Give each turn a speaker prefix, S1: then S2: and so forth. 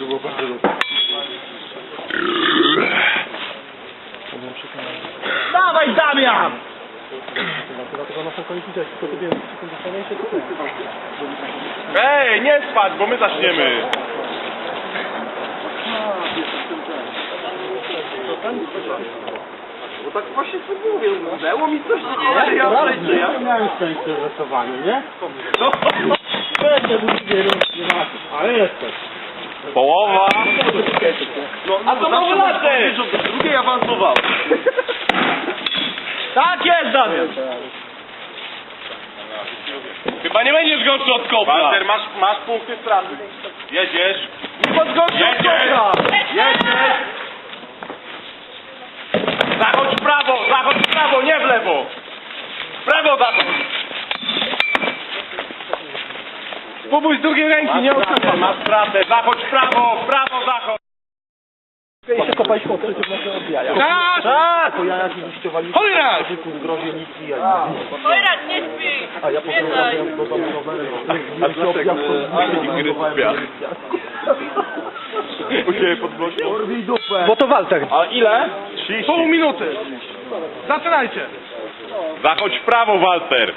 S1: To było bardzo dobre.
S2: Dawaj, Damian!
S1: Dlatego nasza kończyć, jak tylko sobie dostanie się tutaj.
S3: Ej, nie spać, bo my zaczniemy.
S1: Bo tak właśnie sobie mówię, udało mi coś, ja miałem szczęście w rysowaniu, nie? Będę drugie ale jesteś.
S3: Połowa.
S1: No,
S3: A to mało lasy!
S1: Drugiej awansował.
S2: Tak jest, Damian!
S3: Chyba nie będziesz gorszy od kopla. Walter, masz punkty straty. Jedziesz.
S2: Nie podchodzi od kopla!
S3: Jedziesz. Zachodź w prawo, nie w lewo. W prawo zachodź.
S2: Spróbuj z drugiej ręki, nie odsuwam.
S3: Masz stratę, zachodź w prawo zachodź.
S1: Jeszcze kopać po trzecie w nasze odbijania.
S2: Tak!
S1: Po jajach i liściowali.
S2: Chojrak!
S1: W grozie nic i jaj.
S4: Chojrak, nie śpi!
S1: A ja potem robiłem do domu rowery.
S3: U ciebie pod blokiem?
S1: Urwij dupę.
S2: Bo to Walter.
S3: A ile? 30.
S2: Pół minuty. Zaczynajcie.
S3: Zachodź w prawo, Walter.